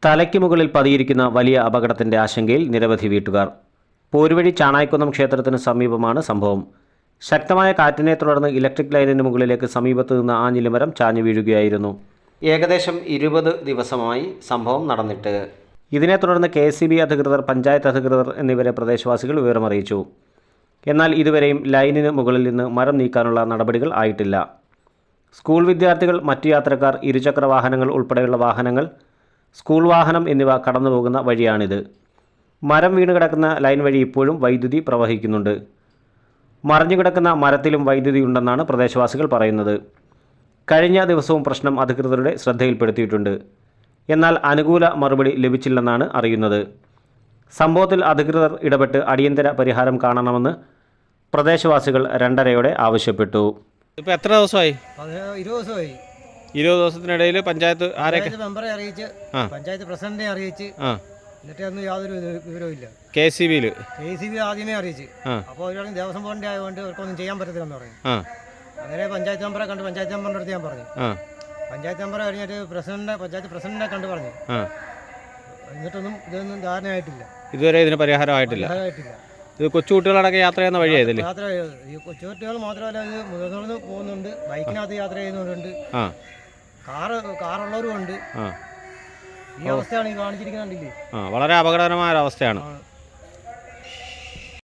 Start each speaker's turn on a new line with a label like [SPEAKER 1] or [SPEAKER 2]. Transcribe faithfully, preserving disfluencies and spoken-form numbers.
[SPEAKER 1] തലയ്ക്ക് മുകളിൽ പതിയിരിക്കുന്ന വലിയ അപകടത്തിൻ്റെ ആശങ്കയിൽ നിരവധി വീട്ടുകാർ. പോരുവഴി ചാണായിക്കുന്നം ക്ഷേത്രത്തിന് സമീപമാണ് സംഭവം. ശക്തമായ കാറ്റിനെ തുടർന്ന് ഇലക്ട്രിക് ലൈനിന് മുകളിലേക്ക് സമീപത്ത് നിന്ന് ആഞ്ഞിലിമരം ചാഞ്ഞു വീഴുകയായിരുന്നു. ഏകദേശം ഇരുപത് ദിവസമായി സംഭവം നടന്നിട്ട്. ഇതിനെ തുടർന്ന് കെ എസ് ഇ ബി അധികൃതർ, പഞ്ചായത്ത് അധികൃതർ എന്നിവരെ പ്രദേശവാസികൾ വിവരമറിയിച്ചു. എന്നാൽ ഇതുവരെയും ലൈനിന് മുകളിൽ നിന്ന് മരം നീക്കാനുള്ള നടപടികൾ ആയിട്ടില്ല. സ്കൂൾ വിദ്യാർത്ഥികൾ, മറ്റു യാത്രക്കാർ, ഇരുചക്ര വാഹനങ്ങൾ ഉൾപ്പെടെയുള്ള വാഹനങ്ങൾ, സ്കൂൾ വാഹനം എന്നിവ കടന്നുപോകുന്ന വഴിയാണിത്. മരം വീണ് കിടക്കുന്ന ലൈൻ വഴി ഇപ്പോഴും വൈദ്യുതി പ്രവഹിക്കുന്നുണ്ട്. മറിഞ്ഞു കിടക്കുന്ന മരത്തിലും വൈദ്യുതി ഉണ്ടെന്നാണ് പ്രദേശവാസികൾ പറയുന്നത്. കഴിഞ്ഞ ദിവസവും പ്രശ്നം അധികൃതരുടെ ശ്രദ്ധയിൽപ്പെടുത്തിയിട്ടുണ്ട്. എന്നാൽ അനുകൂല മറുപടി ലഭിച്ചില്ലെന്നാണ് അറിയുന്നത്. സംഭവത്തിൽ അധികൃതർ ഇടപെട്ട് അടിയന്തര പരിഹാരം കാണണമെന്ന് പ്രദേശവാസികൾ രണ്ടരയോടെ ആവശ്യപ്പെട്ടു.
[SPEAKER 2] ഇപ്പോൾ എത്ര ദിവസമായി?
[SPEAKER 3] ഇരുപത് ദിവസമായി.
[SPEAKER 2] ഇരുപത് ദിവസത്തിനിടയിൽ പഞ്ചായത്ത് ആരെയൊക്കെ?
[SPEAKER 3] മെമ്പറെ അറിയിച്ച്, പഞ്ചായത്ത് പ്രസിഡന്റിനെ അറിയിച്ച്, എന്നിട്ട് ഒന്നും യാതൊരു വിവരവും ഇല്ല.
[SPEAKER 2] കെ സി ബിയിൽ
[SPEAKER 3] കെ സി ബി ആദ്യമേ അറിയിച്ച്. അപ്പോൾ ഒരു ദേവസ്വം ബോർഡിന്റെ ആയതുകൊണ്ട് അവർക്കൊന്നും ചെയ്യാൻ പറ്റത്തില്ലെന്ന് പറഞ്ഞു. അങ്ങനെ പഞ്ചായത്ത് മെമ്പറെ കണ്ട് പഞ്ചായത്ത് മെമ്പറിന്റെ അടുത്ത് ഞാൻ പറഞ്ഞു. പഞ്ചായത്ത് മെമ്പറെ കഴിഞ്ഞിട്ട് പ്രസിഡന്റിനെ പഞ്ചായത്ത് പ്രസിഡന്റിനെ കണ്ട് പറഞ്ഞു. എന്നിട്ടൊന്നും ഇതൊന്നും ധാരണയായിട്ടില്ല.
[SPEAKER 2] ഇതുവരെ ഇതിന് പരിഹാരമായിട്ടില്ല. ഇത് കൊച്ചുകുട്ടികളടക്കം യാത്ര ചെയ്യുന്ന വഴിയായതല്ലേ?
[SPEAKER 3] യാത്ര ഈ കൊച്ചുകുട്ടികൾ മാത്രമല്ല, ഇത് മുതിർന്നവരും പോകുന്നുണ്ട്, ബൈക്കിനകത്ത് യാത്ര ചെയ്യുന്നവരുണ്ട്, കാറ് കാറുള്ളവരും ഉണ്ട്. ഈ അവസ്ഥയാണ് ഈ കാണിച്ചിരിക്കുന്നുണ്ടല്ലേ.
[SPEAKER 2] വളരെ അപകടകരമായ അവസ്ഥയാണ്.